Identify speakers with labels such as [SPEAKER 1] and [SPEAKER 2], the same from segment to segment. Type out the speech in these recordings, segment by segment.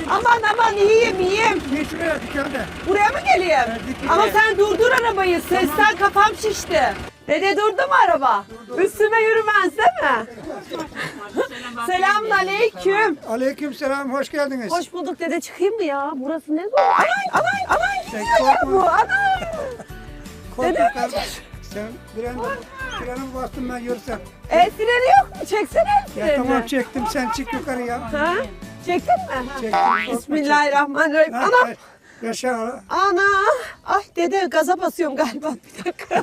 [SPEAKER 1] Aman iyiyim.
[SPEAKER 2] Bir şuraya dükkanda.
[SPEAKER 1] Buraya mı geleyim? Ama sen durdur arabayı. Sesten kafam şişti. Dede durdu mu araba? Üstüme yürümez değil mi? Selamünaleyküm.
[SPEAKER 2] Aleykümselam, hoş geldiniz.
[SPEAKER 1] Hoş bulduk dede, çıkayım mı ya? Burası ne zor? Anay. Gidiyor ya bu. Anay.
[SPEAKER 2] Korkma kardeş. Sen freni bastın ben yürüsem.
[SPEAKER 1] Freni yok mu? Çeksene el
[SPEAKER 2] Ya
[SPEAKER 1] freni.
[SPEAKER 2] tamam çektim, sen çık yukarı ya.
[SPEAKER 1] Ha? Çektin mi?
[SPEAKER 2] Çektim.
[SPEAKER 1] Bismillahirrahmanirrahim.
[SPEAKER 2] Ha,
[SPEAKER 1] Anam.
[SPEAKER 2] yaşa.
[SPEAKER 1] Ana. Ay dede gaza basıyorum galiba. Bir dakika.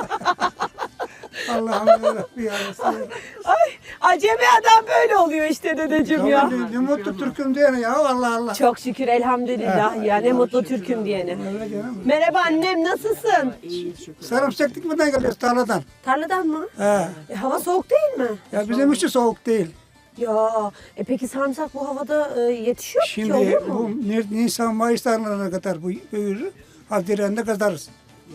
[SPEAKER 2] Allah'ım yarabbim ya Resulallah.
[SPEAKER 1] Ay acemi adam böyle oluyor işte dedeciğim ya.
[SPEAKER 2] Tamam, ne mutlu Türk'üm diyene ya, Allah Allah.
[SPEAKER 1] Çok şükür elhamdülillah ya, ne mutlu Türk'üm diyene.
[SPEAKER 2] Öyle canım.
[SPEAKER 1] Merhaba annem, nasılsın?
[SPEAKER 2] Sarımsak dikmeden geliyoruz tarladan.
[SPEAKER 1] Tarladan mı?
[SPEAKER 2] He.
[SPEAKER 1] Hava soğuk değil mi?
[SPEAKER 2] Ya bizim için soğuk değil.
[SPEAKER 1] Ya peki sarımsak bu havada yetişiyor ki,
[SPEAKER 2] Şimdi
[SPEAKER 1] olur mu?
[SPEAKER 2] bu Nisan Mayıs tarlalarına kadar bu büyür. Haziran'da kazarız.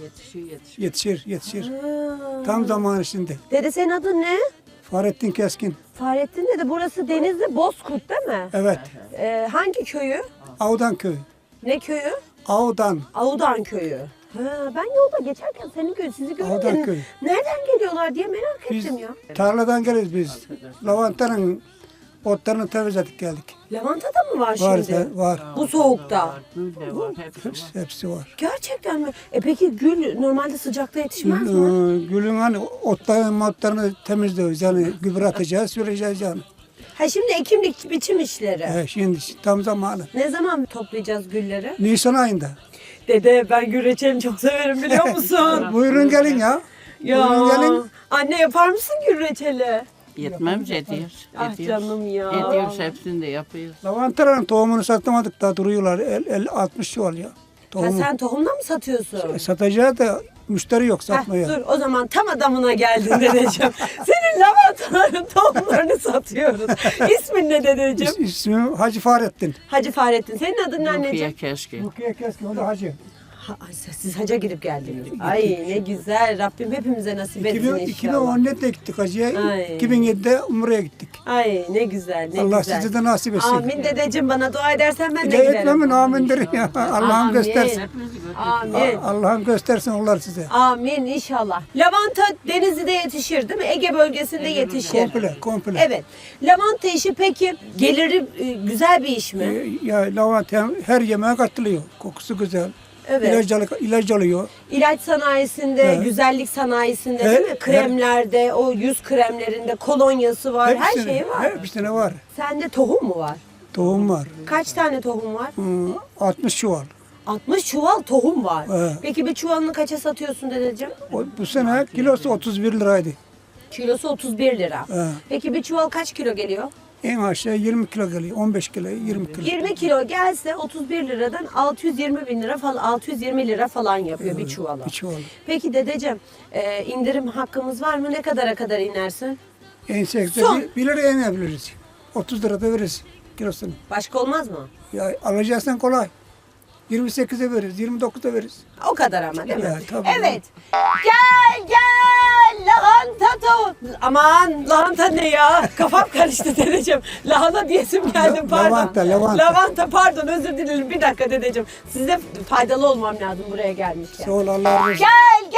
[SPEAKER 2] Yetişir.
[SPEAKER 1] Ha.
[SPEAKER 2] Tam zamanı şimdi.
[SPEAKER 1] Dede senin adın ne?
[SPEAKER 2] Fahrettin Keskin.
[SPEAKER 1] Fahrettin dede, burası Denizli Bozkurt değil mi?
[SPEAKER 2] Evet.
[SPEAKER 1] Hangi köyü?
[SPEAKER 2] Avdan köyü.
[SPEAKER 1] Ne köyü?
[SPEAKER 2] Avdan.
[SPEAKER 1] Avudan köyü. Ha, ben yolda geçerken senin köyü, sizi
[SPEAKER 2] Avudan
[SPEAKER 1] görünce
[SPEAKER 2] köyü.
[SPEAKER 1] nereden geliyorlar diye merak
[SPEAKER 2] Biz
[SPEAKER 1] ettim ya.
[SPEAKER 2] tarladan geliriz biz. Lavantanın otlarını temizledik geldik.
[SPEAKER 1] Lavanta da mı var
[SPEAKER 2] Var,
[SPEAKER 1] şimdi?
[SPEAKER 2] var.
[SPEAKER 1] Bu soğukta.
[SPEAKER 2] Hepsi var.
[SPEAKER 1] Gerçekten mi? Peki gül normalde sıcakta yetişmez mi?
[SPEAKER 2] Gülün hani otlarını temizliyoruz. Yani gübre atacağız, süreceğiz yani.
[SPEAKER 1] Ha şimdi ekim biçim işleri.
[SPEAKER 2] Şimdi tam zamanı.
[SPEAKER 1] Ne zaman toplayacağız gülleri?
[SPEAKER 2] Nisan ayında.
[SPEAKER 1] Dede ben gül reçelini çok severim biliyor musun?
[SPEAKER 2] Buyurun gelin ya. Buyurun gelin.
[SPEAKER 1] Anne yapar mısın gül reçeli?
[SPEAKER 3] Yetmez ediyoruz.
[SPEAKER 1] Ah canım ya.
[SPEAKER 3] Ediyoruz, hepsini de yapıyoruz.
[SPEAKER 2] Lavantaların tohumunu satamadık daha duruyorlar. 60 çuval ya.
[SPEAKER 1] Ha,
[SPEAKER 2] Tohumu.
[SPEAKER 1] sen tohumla mı satıyorsun?
[SPEAKER 2] Satacağız da müşteri yok
[SPEAKER 1] Heh,
[SPEAKER 2] satmaya.
[SPEAKER 1] dur o zaman tam adamına geldin dedeciğim. Senin lavantaların tohumlarını satıyoruz. İsmin ne dedeciğim?
[SPEAKER 2] İsmim Hacı Fahrettin.
[SPEAKER 1] Hacı Fahrettin. Senin adın ne anneciğim?
[SPEAKER 3] Rukiye keşke.
[SPEAKER 2] Rukiye Keskin, o da Hacı.
[SPEAKER 1] Siz hacca gidip geldiniz. Ay ne güzel. Rabbim hepimize nasip etsin inşallah.
[SPEAKER 2] 2014'de gittik Hacı'ya.
[SPEAKER 1] Ay.
[SPEAKER 2] 2007'de Umre'ye gittik.
[SPEAKER 1] Ay ne güzel, ne
[SPEAKER 2] Allah
[SPEAKER 1] güzel.
[SPEAKER 2] size de nasip etsin.
[SPEAKER 1] Amin dedeciğim, bana dua edersen ben de
[SPEAKER 2] De
[SPEAKER 1] giderim.
[SPEAKER 2] etmemin amindir ya. Allah'ım
[SPEAKER 1] Amin.
[SPEAKER 2] göstersin.
[SPEAKER 1] Amin.
[SPEAKER 2] Allah'ım göstersin onlar size.
[SPEAKER 1] Amin inşallah. Lavanta Denizli'de yetişir değil mi? Ege bölgesinde yetişir.
[SPEAKER 2] Komple.
[SPEAKER 1] Evet. Lavanta işi peki geliri güzel bir iş mi?
[SPEAKER 2] Ya lavanta her yemeğe katılıyor. Kokusu güzel.
[SPEAKER 1] Evet.
[SPEAKER 2] İlaç alıyor.
[SPEAKER 1] İlaç sanayisinde,
[SPEAKER 2] Evet.
[SPEAKER 1] güzellik sanayisinde değil mi? Kremlerde, o yüz kremlerinde kolonyası var, her şeyi var.
[SPEAKER 2] Hepsine var.
[SPEAKER 1] Sende tohum mu var?
[SPEAKER 2] Tohum var.
[SPEAKER 1] Kaç tane tohum var?
[SPEAKER 2] 60 çuval.
[SPEAKER 1] 60 çuval tohum var.
[SPEAKER 2] Evet.
[SPEAKER 1] Peki bir çuvalını kaça satıyorsun dedeciğim?
[SPEAKER 2] Bu sene kilosu 31 liraydı.
[SPEAKER 1] Kilosu 31 lira.
[SPEAKER 2] Evet.
[SPEAKER 1] Peki bir çuval kaç kilo geliyor?
[SPEAKER 2] En aşağı 20 kilo geliyor. 15 kilo, 20 kilo.
[SPEAKER 1] 20 kilo gelse 31 liradan 620 bin lira falan, 620 lira falan yapıyor bir çuvala.
[SPEAKER 2] Bir çuval.
[SPEAKER 1] Peki dedeciğim indirim hakkımız var mı? Ne kadara kadar inersin?
[SPEAKER 2] En sekte
[SPEAKER 1] Son.
[SPEAKER 2] 1 liraya inebiliriz. 30 lira da veririz kilosunu.
[SPEAKER 1] Başka olmaz mı?
[SPEAKER 2] Ya alacaksan kolay. 28'e veririz, 29'a veririz.
[SPEAKER 1] O kadar ama değil mi?
[SPEAKER 2] Ya, tabii.
[SPEAKER 1] Evet. Gel lahanta Aman lahanta ne ya? Kafam karıştı dedeciğim. Lahana diyesim geldi pardon.
[SPEAKER 2] Lavanta.
[SPEAKER 1] Lavanta pardon, özür dilerim. Bir dakika dedeciğim. Size faydalı olmam lazım buraya gelmişken.
[SPEAKER 2] Sağ ol, Allah razı olsun.
[SPEAKER 1] Gel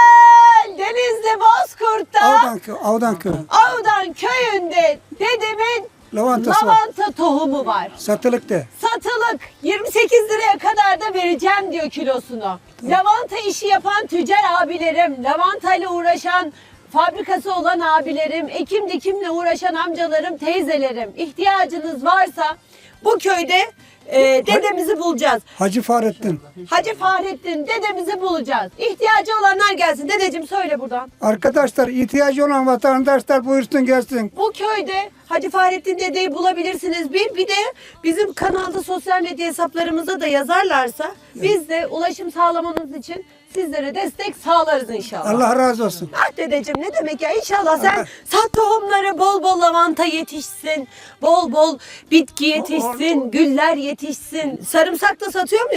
[SPEAKER 1] Denizli Bozkurt'ta
[SPEAKER 2] Avdan köy.
[SPEAKER 1] Avdan köyünde dedemin
[SPEAKER 2] Lavantası var.
[SPEAKER 1] lavanta tohumu var.
[SPEAKER 2] Satılık de.
[SPEAKER 1] Satılık 28 liraya kadar da vereceğim diyor kilosunu. Lavanta işi yapan tüccar abilerim, lavantayla uğraşan fabrikası olan abilerim, ekim dikimle uğraşan amcalarım, teyzelerim, ihtiyacınız varsa bu köyde dedemizi bulacağız.
[SPEAKER 2] Hacı Fahrettin.
[SPEAKER 1] Hacı Fahrettin dedemizi bulacağız. İhtiyacı olanlar gelsin. Dedeciğim söyle buradan.
[SPEAKER 2] Arkadaşlar, ihtiyacı olan vatandaşlar buyursun gelsin.
[SPEAKER 1] Bu köyde Hacı Fahrettin dedeyi bulabilirsiniz. Bir de bizim kanalda sosyal medya hesaplarımıza da yazarlarsa biz de ulaşım sağlamanız için sizlere destek sağlarız inşallah.
[SPEAKER 2] Allah razı olsun.
[SPEAKER 1] Ah dedeciğim ne demek ya, inşallah sen sat tohumları, bol bol lavanta yetişsin, bol bol bitki yetişsin, güller yetişsin. Sarımsak da satıyor muyuz?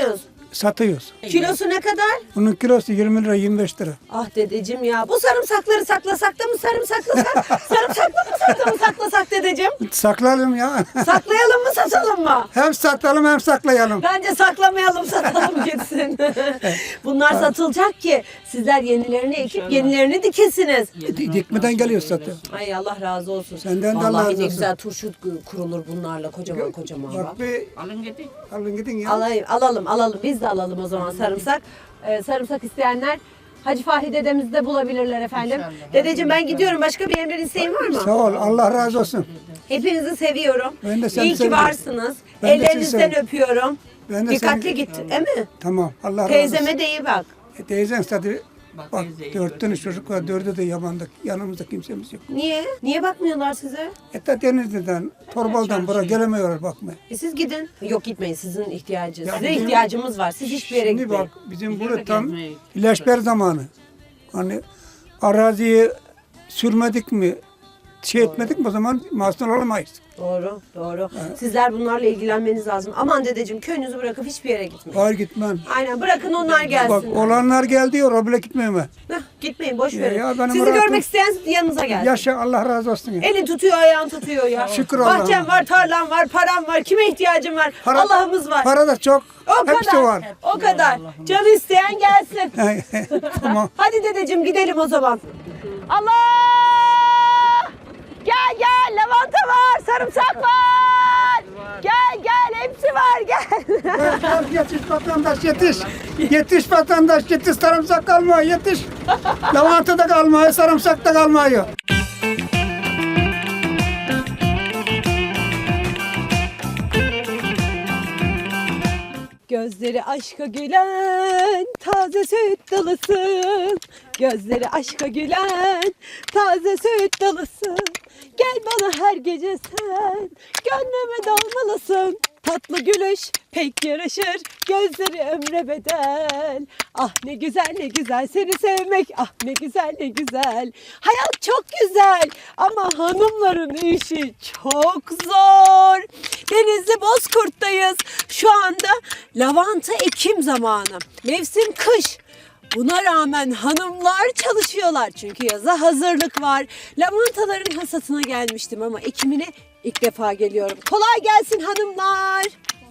[SPEAKER 2] satıyoruz.
[SPEAKER 1] Kilosu ne kadar?
[SPEAKER 2] Bunun kilosu 20 lira 25 lira.
[SPEAKER 1] Ah dedeciğim ya. Bu sarımsakları saklasak da mı sarımsaklasak? Sarımsaklı mı saklasak dedeciğim?
[SPEAKER 2] Saklayalım ya.
[SPEAKER 1] Saklayalım mı satalım mı?
[SPEAKER 2] Hem satalım hem saklayalım.
[SPEAKER 1] Bence saklamayalım satalım gitsin. Bunlar satılacak ki sizler yenilerini ekip yenilerini dikesiniz.
[SPEAKER 2] Dikmeden geliyor satıyor.
[SPEAKER 1] Ay Allah razı olsun.
[SPEAKER 2] Senden de
[SPEAKER 1] Vallahi
[SPEAKER 2] Allah razı
[SPEAKER 1] ne
[SPEAKER 2] olsun.
[SPEAKER 1] güzel turşu kurulur bunlarla kocaman kocaman.
[SPEAKER 2] Bak bir
[SPEAKER 3] Alın gidin.
[SPEAKER 2] alın gidin ya.
[SPEAKER 1] Alalım. Biz de alalım o zaman sarımsak. Sarımsak isteyenler Hacı Fahri dedemizi de bulabilirler efendim.
[SPEAKER 3] İnşallah.
[SPEAKER 1] Dedeciğim ben gidiyorum. Başka bir emrin isteğin var mı?
[SPEAKER 2] Sağ ol. Allah razı olsun.
[SPEAKER 1] Hepinizi seviyorum.
[SPEAKER 2] Ben de seni
[SPEAKER 1] İyi ki
[SPEAKER 2] seviyorum.
[SPEAKER 1] varsınız.
[SPEAKER 2] Ben de seni
[SPEAKER 1] Ellerinizden
[SPEAKER 2] seviyorum.
[SPEAKER 1] öpüyorum.
[SPEAKER 2] Ben de
[SPEAKER 1] Dikkatli
[SPEAKER 2] seni-
[SPEAKER 1] git, değil mi?
[SPEAKER 2] Tamam. Allah razı olsun.
[SPEAKER 1] Teyzeme de iyi bak.
[SPEAKER 2] Teyzen zaten
[SPEAKER 3] Bak,
[SPEAKER 2] bak
[SPEAKER 3] teyzeyi
[SPEAKER 2] 4 tane çocuk var. 4'ü de yamandık. Yanımızda kimsemiz yok.
[SPEAKER 1] Niye? Niye bakmıyorlar size?
[SPEAKER 2] Hatta Denizli'den, Torbal'dan buraya gelemiyorlar bakmaya.
[SPEAKER 1] Siz gidin. Yok gitmeyin. Sizin ihtiyacınız.
[SPEAKER 2] Ya
[SPEAKER 1] Size
[SPEAKER 2] bizim-
[SPEAKER 1] ihtiyacımız var. Siz hiçbir yere
[SPEAKER 2] Şimdi
[SPEAKER 1] gitmeyin.
[SPEAKER 2] bak bizim
[SPEAKER 3] Bizim
[SPEAKER 2] burada
[SPEAKER 3] de
[SPEAKER 2] tam
[SPEAKER 3] gezmeye-
[SPEAKER 2] ilaçber zamanı. Hani araziyi sürmedik mi, şey etmedik mi o zaman mahsul olamayız.
[SPEAKER 1] Doğru. Sizler bunlarla ilgilenmeniz lazım. Aman dedeciğim köyünüzü bırakıp hiçbir yere gitmeyin.
[SPEAKER 2] Hayır gitmem.
[SPEAKER 1] Aynen bırakın onlar
[SPEAKER 2] Bak
[SPEAKER 1] gelsin.
[SPEAKER 2] olanlar geldi ya oraya bile gitmeyeyim ben.
[SPEAKER 1] Gitmeyin boş
[SPEAKER 2] Ya,
[SPEAKER 1] verin.
[SPEAKER 2] ya benim
[SPEAKER 1] Sizi
[SPEAKER 2] rahatım-
[SPEAKER 1] görmek isteyen yanınıza gelsin.
[SPEAKER 2] Yaşa Allah razı olsun. Ya.
[SPEAKER 1] Elin tutuyor, ayağın tutuyor ya.
[SPEAKER 2] Şükür
[SPEAKER 1] Bahçem
[SPEAKER 2] Allah'ıma.
[SPEAKER 1] var, tarlam var, param var. Kime ihtiyacım var?
[SPEAKER 2] Para-
[SPEAKER 1] Allah'ımız var.
[SPEAKER 2] Para da çok.
[SPEAKER 1] O
[SPEAKER 2] Hepsi
[SPEAKER 1] kadar.
[SPEAKER 2] var.
[SPEAKER 1] O kadar. Canı isteyen gelsin.
[SPEAKER 2] Tamam.
[SPEAKER 1] Hadi dedeciğim gidelim o zaman. Allah! Gel lavanta var, sarımsak var. Gel hepsi var gel.
[SPEAKER 2] Yetiş vatandaş yetiş. Yetiş vatandaş yetiş sarımsak kalmıyor yetiş. Lavanta da kalmıyor sarımsak da kalmıyor.
[SPEAKER 1] Gözleri aşka gülen taze süt dalısın. Gözleri aşka gülen taze süt dalısın. Gel bana her gece sen gönlüme dalmalısın. Tatlı gülüş pek yaraşır gözleri ömre bedel. Ah ne güzel seni sevmek, ah ne güzel. Hayat çok güzel ama hanımların işi çok zor. Denizli Bozkurt'tayız. Şu anda lavanta ekim zamanı. Mevsim kış. Buna rağmen hanımlar çalışıyorlar çünkü yaza hazırlık var. Lavantaların hasatına gelmiştim ama ekimine ilk defa geliyorum. Kolay gelsin hanımlar.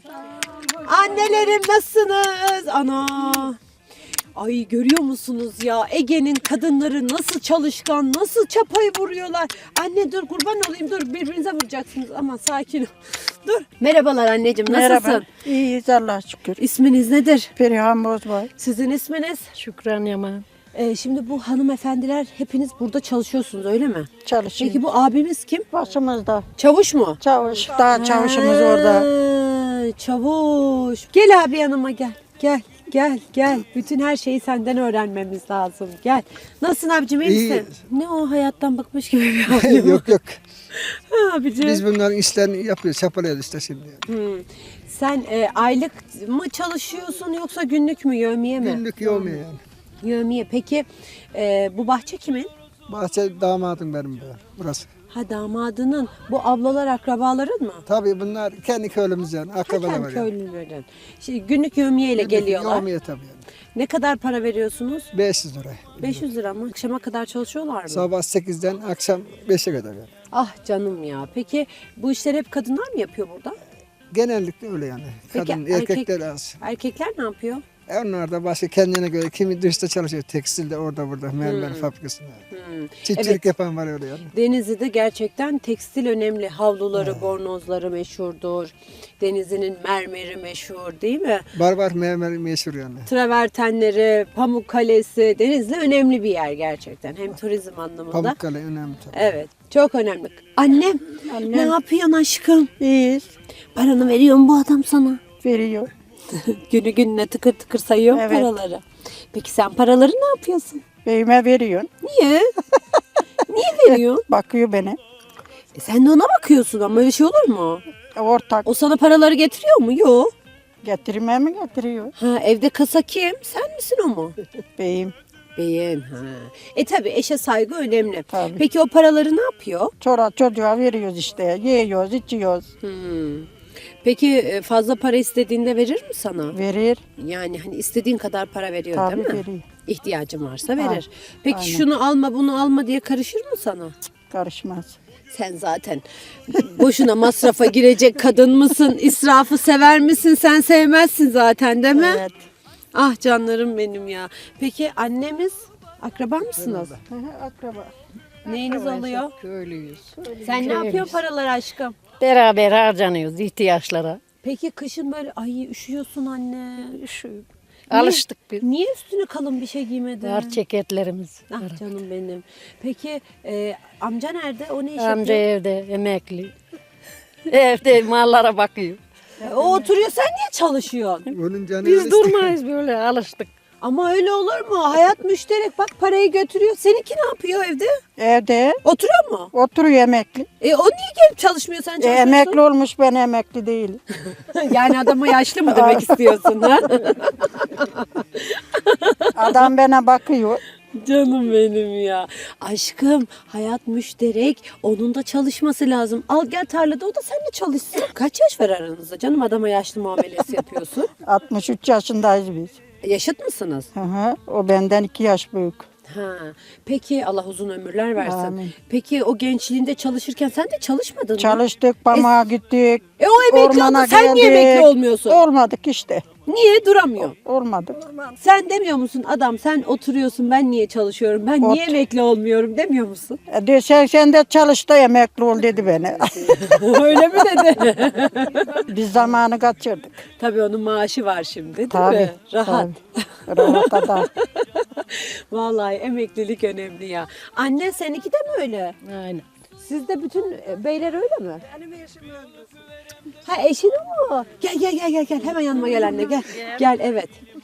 [SPEAKER 1] Annelerim nasılsınız? Ana. Ay görüyor musunuz ya Ege'nin kadınları nasıl çalışkan, nasıl çapayı vuruyorlar. Anne dur kurban olayım dur birbirinize vuracaksınız. Aman sakin ol. Dur. Merhabalar anneciğim nasılsın?
[SPEAKER 4] Merhaba. İyiyiz Allah'a şükür.
[SPEAKER 1] İsminiz nedir?
[SPEAKER 4] Perihan Bozbay.
[SPEAKER 1] Sizin isminiz?
[SPEAKER 4] Şükran Yaman.
[SPEAKER 1] Şimdi bu hanımefendiler hepiniz burada çalışıyorsunuz öyle mi?
[SPEAKER 4] Çalışıyor.
[SPEAKER 1] Peki bu abimiz kim?
[SPEAKER 4] Başımızda.
[SPEAKER 1] Çavuş mu?
[SPEAKER 4] Çavuş. Daha çavuşumuz orada.
[SPEAKER 1] Ha, çavuş. Gel abi yanıma gel. Gel. Bütün her şeyi senden öğrenmemiz lazım. Gel. Nasılsın abicim iyi
[SPEAKER 5] İyi.
[SPEAKER 1] misin? Ne o hayattan bıkmış gibi bir halim.
[SPEAKER 5] Yok.
[SPEAKER 1] Ha, abicim.
[SPEAKER 5] Biz bunların işlerini yapıyoruz, çapalıyoruz işte şimdi.
[SPEAKER 1] Sen aylık mı çalışıyorsun yoksa günlük mü yevmiye mi?
[SPEAKER 5] Günlük yoğmuyor yani.
[SPEAKER 1] Yevmiye. Peki bu bahçe kimin?
[SPEAKER 5] Bahçe damadım benim bu, burası.
[SPEAKER 1] Ha damadının. Bu ablalar akrabaların mı?
[SPEAKER 5] Tabii bunlar kendi köylümüz yani, akrabalar
[SPEAKER 1] Hakem
[SPEAKER 5] var yani.
[SPEAKER 1] köylülerin. Şimdi günlük yevmiye ile geliyorlar.
[SPEAKER 5] Yoğmuyor tabii yani.
[SPEAKER 1] Ne kadar para veriyorsunuz?
[SPEAKER 5] 500 lira.
[SPEAKER 1] 500 lira mı? Akşama kadar çalışıyorlar mı?
[SPEAKER 5] Sabah 8'den akşam 5'e kadar yani.
[SPEAKER 1] Ah canım ya. Peki bu işleri hep kadınlar mı yapıyor burada?
[SPEAKER 5] Genellikle öyle yani.
[SPEAKER 1] Peki,
[SPEAKER 5] Kadın,
[SPEAKER 1] erkek-
[SPEAKER 5] erkekler az.
[SPEAKER 1] Erkekler ne yapıyor?
[SPEAKER 5] Onlar da başka kendine göre, kimi dışta çalışıyor, tekstilde orada burada, mermer fabrikasında. Çiftçilik
[SPEAKER 1] Evet.
[SPEAKER 5] yapan var öyle yani.
[SPEAKER 1] Denizli'de gerçekten tekstil önemli. Havluları, bornozları meşhurdur. Denizli'nin mermeri meşhur değil mi?
[SPEAKER 5] Barbar mermer meşhur yani.
[SPEAKER 1] Travertenleri, Pamukkale'si. Denizli önemli bir yer gerçekten. Hem turizm anlamında.
[SPEAKER 5] Pamukkale önemli tabii.
[SPEAKER 1] Evet. Çok önemli. Annem, ne yapıyorsun aşkım?
[SPEAKER 4] İyiyiz.
[SPEAKER 1] Paranı veriyor mu bu adam sana?
[SPEAKER 4] Veriyor.
[SPEAKER 1] Günü gününe tıkır tıkır sayıyor mu
[SPEAKER 4] Evet.
[SPEAKER 1] paraları? Peki sen paraları ne yapıyorsun?
[SPEAKER 4] Beyime veriyor.
[SPEAKER 1] Niye? Niye veriyorsun?
[SPEAKER 4] Bakıyor beni.
[SPEAKER 1] Sen de ona bakıyorsun ama öyle şey olur mu?
[SPEAKER 4] Ortak.
[SPEAKER 1] O sana paraları getiriyor mu? Yok.
[SPEAKER 4] Getirmeye mi getiriyor?
[SPEAKER 1] Ha, evde kasa kim? Sen misin o mu?
[SPEAKER 4] Beyim.
[SPEAKER 1] Beyin. Ha. Tabii eşe saygı önemli.
[SPEAKER 4] Tabii.
[SPEAKER 1] Peki o paraları ne yapıyor?
[SPEAKER 4] Çora çocuğa veriyoruz işte. Yiyoruz, içiyoruz.
[SPEAKER 1] Hmm. Peki fazla para istediğinde verir mi sana?
[SPEAKER 4] Verir.
[SPEAKER 1] Yani hani istediğin kadar para veriyor
[SPEAKER 4] Tabii
[SPEAKER 1] değil mi?
[SPEAKER 4] veriyor.
[SPEAKER 1] İhtiyacın varsa verir. Peki
[SPEAKER 4] aynen.
[SPEAKER 1] şunu alma bunu alma diye karışır mı sana?
[SPEAKER 4] Karışmaz.
[SPEAKER 1] Sen zaten boşuna masrafa girecek kadın mısın? İsrafı sever misin? Sen sevmezsin zaten değil mi?
[SPEAKER 4] Evet.
[SPEAKER 1] Ah canlarım benim ya. Peki annemiz akraba mısınız?
[SPEAKER 4] Hı hı, akraba.
[SPEAKER 1] Neyiniz oluyor?
[SPEAKER 6] Köylüyüz.
[SPEAKER 1] Sen ne yapıyorsun paralar aşkım?
[SPEAKER 6] Beraber harcanıyoruz ihtiyaçlara.
[SPEAKER 1] Peki kışın böyle ay üşüyorsun anne.
[SPEAKER 6] Üşüyoruz.
[SPEAKER 1] Niye-
[SPEAKER 6] Alıştık biz.
[SPEAKER 1] Niye üstüne kalın bir şey giymedin?
[SPEAKER 6] Var ceketlerimiz.
[SPEAKER 1] Ah canım benim. Peki amca nerede? O ne iş
[SPEAKER 6] Amca
[SPEAKER 1] yapıyor?
[SPEAKER 6] evde emekli. Evde mallara bakıyor.
[SPEAKER 1] O oturuyor sen niye çalışıyorsun?
[SPEAKER 5] Onun canı
[SPEAKER 6] Biz
[SPEAKER 5] öyle
[SPEAKER 6] durmayız böyle alıştık.
[SPEAKER 1] Ama öyle olur mu? Hayat müşterek. Bak parayı götürüyor. Seninki ne yapıyor evde?
[SPEAKER 4] Evde
[SPEAKER 1] Oturuyor mu?
[SPEAKER 4] oturuyor emekli.
[SPEAKER 1] O niye gelip çalışmıyor sen çalışıyorsun?
[SPEAKER 4] Emekli olmuş, ben emekli değilim.
[SPEAKER 1] Yani adama yaşlı mı demek istiyorsun ha?
[SPEAKER 4] Adam bana bakıyor.
[SPEAKER 1] Canım benim ya. Aşkım hayat müşterek. Onun da çalışması lazım. Al gel tarlada o da seninle çalışsın. Kaç yaş var aranızda canım adama yaşlı muamelesi yapıyorsun?
[SPEAKER 4] 63 yaşındayız biz.
[SPEAKER 1] Yaşıt mısınız?
[SPEAKER 4] Hı hı. O benden 2 yaş büyük.
[SPEAKER 1] Ha. Peki Allah uzun ömürler versin.
[SPEAKER 4] Amin.
[SPEAKER 1] Peki o gençliğinde çalışırken sen de çalışmadın mı?
[SPEAKER 4] Çalıştık, pamuk gittik.
[SPEAKER 1] O emekli oldu. Sen niye emekli olmuyorsun?
[SPEAKER 4] Olmadık işte.
[SPEAKER 1] Niye duramıyor?
[SPEAKER 4] Olmadık.
[SPEAKER 1] Sen demiyor musun adam sen oturuyorsun ben niye çalışıyorum ben niye emekli olmuyorum demiyor musun?
[SPEAKER 4] De sen de çalış da emekli ol dedi bana.
[SPEAKER 1] Öyle mi dedi?
[SPEAKER 4] Biz zamanı kaçırdık.
[SPEAKER 1] Tabii onun maaşı var şimdi değil
[SPEAKER 4] Tabii.
[SPEAKER 1] mi? Rahat.
[SPEAKER 4] Tabii. Rahat adam.
[SPEAKER 1] Vallahi emeklilik önemli ya. Anne seninki de mi öyle?
[SPEAKER 6] Aynen.
[SPEAKER 1] Sizde bütün beyler öyle mi? Benim eşim öyle. Ha eşin mi o? Gel hemen yanıma gel anne gel. Gel evet.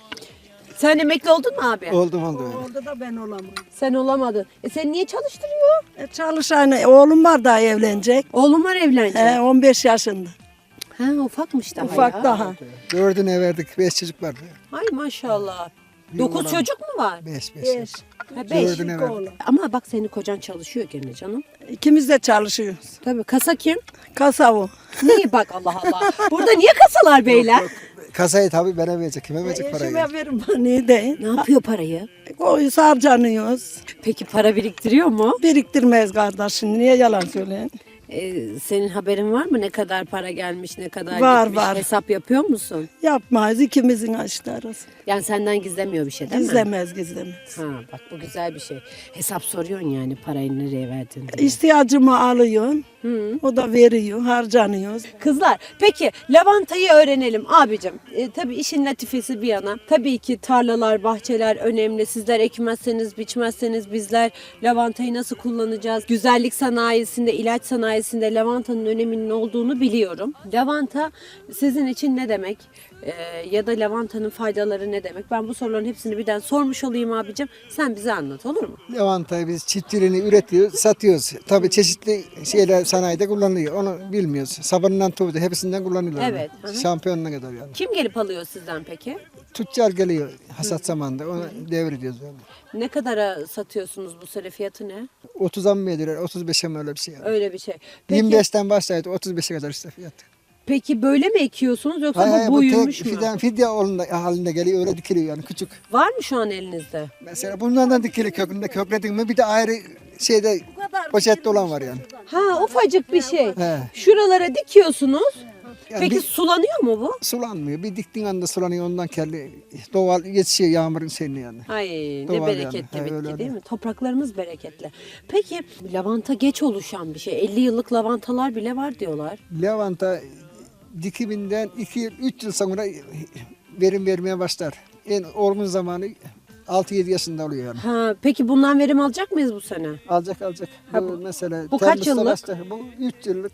[SPEAKER 1] Sen emekli oldun mu abi?
[SPEAKER 5] Oldu öyle.
[SPEAKER 7] Orada da ben olamam.
[SPEAKER 1] Sen olamadın. Sen niye çalıştırıyor?
[SPEAKER 7] Çalışan oğlum var daha evlenecek.
[SPEAKER 1] Oğlum var evlenecek.
[SPEAKER 7] 15 yaşında.
[SPEAKER 1] Ha ufakmış daha
[SPEAKER 7] Ufak
[SPEAKER 1] ya.
[SPEAKER 7] daha.
[SPEAKER 5] 4'üne verdik. 5 çocuk vardı.
[SPEAKER 1] Ay maşallah. 9 çocuk mu var?
[SPEAKER 5] 5.
[SPEAKER 7] 5.
[SPEAKER 1] Ha, 5.
[SPEAKER 5] 4'üne verdik.
[SPEAKER 1] Ama bak senin kocan çalışıyor gene canım.
[SPEAKER 7] İkimiz de çalışıyoruz.
[SPEAKER 1] Tabii kasa kim?
[SPEAKER 7] Kasa o.
[SPEAKER 1] Niye bak Allah Allah. Burada niye kasalar beyler?
[SPEAKER 5] Kasayı tabii bana verecek. Kime verecek parayı?
[SPEAKER 7] Eşime verin bana ne de.
[SPEAKER 1] Ne yapıyor parayı?
[SPEAKER 7] Koyuz harcanıyoruz.
[SPEAKER 1] Peki para biriktiriyor mu?
[SPEAKER 7] Biriktirmeyiz kardeşim. Niye yalan söyleyin?
[SPEAKER 1] Senin haberin var mı ne kadar para gelmiş, ne kadar
[SPEAKER 7] Var,
[SPEAKER 1] gitmiş?
[SPEAKER 7] var.
[SPEAKER 1] Hesap yapıyor musun?
[SPEAKER 7] Yapmayız ikimizin açları.
[SPEAKER 1] Yani senden gizlemiyor bir şey değil mi?
[SPEAKER 7] Gizlemez.
[SPEAKER 1] Ha bak bu güzel bir şey. Hesap soruyorsun yani parayı nereye verdin diye.
[SPEAKER 7] İhtiyacımı alıyorsun. O da veriyor. Harcanıyoruz.
[SPEAKER 1] Kızlar peki lavantayı öğrenelim abicim. Tabii işin latifesi bir yana. Tabii ki tarlalar, bahçeler önemli. Sizler ekmezseniz, biçmezseniz bizler lavantayı nasıl kullanacağız? Güzellik sanayisinde, ilaç sanayisinde lavantanın öneminin olduğunu biliyorum. Lavanta sizin için ne demek? Ya da lavantanın faydaları ne demek? Ben bu soruların hepsini birden sormuş olayım abicim. Sen bize anlat olur mu?
[SPEAKER 5] Lavantayı biz çiftçiliğini üretiyoruz, satıyoruz. Tabii çeşitli şeyler sanayide kullanılıyor. Onu bilmiyoruz. Sabunundan tuğdu hepsinden kullanıyorlar.
[SPEAKER 1] Evet, hı hı.
[SPEAKER 5] Şampiyonuna kadar yani.
[SPEAKER 1] Kim gelip alıyor sizden peki?
[SPEAKER 5] Tüccar geliyor hasat zamanında. Onu devrediyoruz yani.
[SPEAKER 1] Ne kadara satıyorsunuz bu sene fiyatı ne?
[SPEAKER 5] 30'a mı veriyorlar, 35'e mi öyle bir şey yani.
[SPEAKER 1] Öyle bir şey. Peki,
[SPEAKER 5] 25'ten başlayıp 35'e kadar işte fiyat.
[SPEAKER 1] peki böyle mi ekiyorsunuz yoksa
[SPEAKER 5] Hayır, hayır,
[SPEAKER 1] bu
[SPEAKER 5] bu
[SPEAKER 1] büyümüş
[SPEAKER 5] tek
[SPEAKER 1] mü?
[SPEAKER 5] fidye halinde geliyor, öyle dikiliyor yani küçük.
[SPEAKER 1] Var mı şu an elinizde?
[SPEAKER 5] Mesela bunlardan dikili kökünde kökledin mi bir de ayrı şeyde poşette olan var yani.
[SPEAKER 1] Ha ufacık bir şey.
[SPEAKER 5] He.
[SPEAKER 1] Şuralara dikiyorsunuz.
[SPEAKER 5] Yani
[SPEAKER 1] Peki
[SPEAKER 5] bir
[SPEAKER 1] sulanıyor mu bu?
[SPEAKER 5] sulanmıyor. Bir diktiğin anda sulanıyor ondan kelli doğal yetişiyor yağmurun seninle yani.
[SPEAKER 1] Ay ne
[SPEAKER 5] Doğal
[SPEAKER 1] bereketli
[SPEAKER 5] yani. He,
[SPEAKER 1] bitki
[SPEAKER 5] öyle
[SPEAKER 1] değil mi? Topraklarımız bereketli. Peki lavanta geç oluşan bir şey. 50 yıllık lavantalar bile var diyorlar.
[SPEAKER 5] Lavanta dikiminden 2 yıl 3 yıl sonra verim vermeye başlar. En olgun zamanı 6-7 yaşında oluyor yani.
[SPEAKER 1] Ha, peki bundan verim alacak mıyız bu sene?
[SPEAKER 5] Alacak.
[SPEAKER 1] Ha,
[SPEAKER 5] Bu mesela
[SPEAKER 1] bu kaç
[SPEAKER 5] Temmuz'da
[SPEAKER 1] yıllık?
[SPEAKER 5] başlar. Bu 3 yıllık,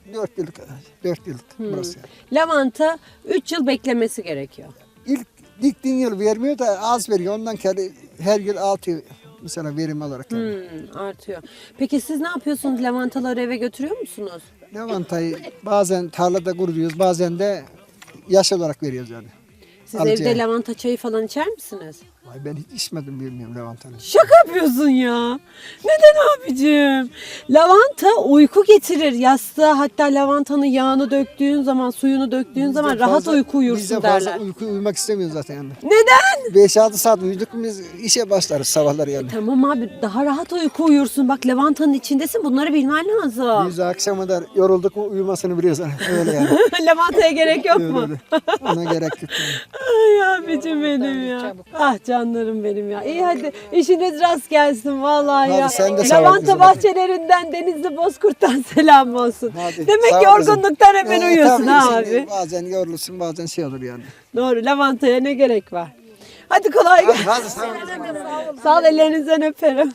[SPEAKER 5] 4 yıllık burası yani.
[SPEAKER 1] Lavanta 3 yıl beklemesi gerekiyor.
[SPEAKER 5] İlk diktiğin yıl vermiyor da az veriyor. Ondan kelli her yıl 6 mesela verim olarak yani.
[SPEAKER 1] Artıyor. Peki siz ne yapıyorsunuz? Lavantaları eve götürüyor musunuz?
[SPEAKER 5] Lavantayı bazen tarlada kuruyoruz, bazen de yaş olarak veriyoruz yani.
[SPEAKER 1] Siz
[SPEAKER 5] Alıcıya.
[SPEAKER 1] evde lavanta çayı falan içer misiniz?
[SPEAKER 5] Vay, ben hiç içmedim, bilmiyorum lavantanı.
[SPEAKER 1] Şaka yapıyorsun ya. Neden abicim? Lavanta uyku getirir yastığa, hatta lavantanın yağını döktüğün zaman, suyunu döktüğün zaman rahat uyku
[SPEAKER 5] Biz de
[SPEAKER 1] uyursun
[SPEAKER 5] fazla
[SPEAKER 1] derler.
[SPEAKER 5] uyumak istemiyoruz zaten yani.
[SPEAKER 1] Neden?
[SPEAKER 5] 5-6 saat uyuduk mu biz işe başlarız sabahları yani.
[SPEAKER 1] Tamam abi, daha rahat uyku uyursun. Bak lavantanın içindesin, bunları bilmen lazım.
[SPEAKER 5] Biz de akşama kadar yorulduk mu uyumasını biliyoruz. Öyle yani.
[SPEAKER 1] Lavantaya gerek yok mu?
[SPEAKER 5] Öyle. Ona gerek yok. Yani.
[SPEAKER 1] Ay abicim benim ya. Ah canlarım benim ya. İyi hadi işiniz rast gelsin vallahi
[SPEAKER 5] Hadi
[SPEAKER 1] ya.
[SPEAKER 5] sen de sağ ol
[SPEAKER 1] Lavanta
[SPEAKER 5] kızım.
[SPEAKER 1] bahçelerinden Denizli Bozkurt'tan selam olsun.
[SPEAKER 5] Hadi,
[SPEAKER 1] Demek
[SPEAKER 5] sağ
[SPEAKER 1] ki
[SPEAKER 5] ol kızım.
[SPEAKER 1] yorgunluktan hemen uyuyorsun
[SPEAKER 5] Tabii,
[SPEAKER 1] ha
[SPEAKER 5] şimdi
[SPEAKER 1] abi.
[SPEAKER 5] Bazen yorulursun, bazen şey olur yani.
[SPEAKER 1] Doğru, lavantaya ne gerek var? Hadi kolay gelsin.
[SPEAKER 5] Hadi sağ ol.
[SPEAKER 1] Sağ ol, ellerinizden öperim.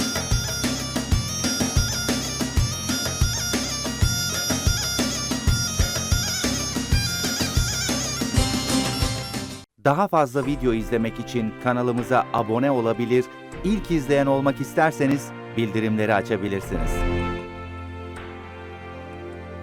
[SPEAKER 8] Daha fazla video izlemek için kanalımıza abone olabilir, ilk izleyen olmak isterseniz bildirimleri açabilirsiniz.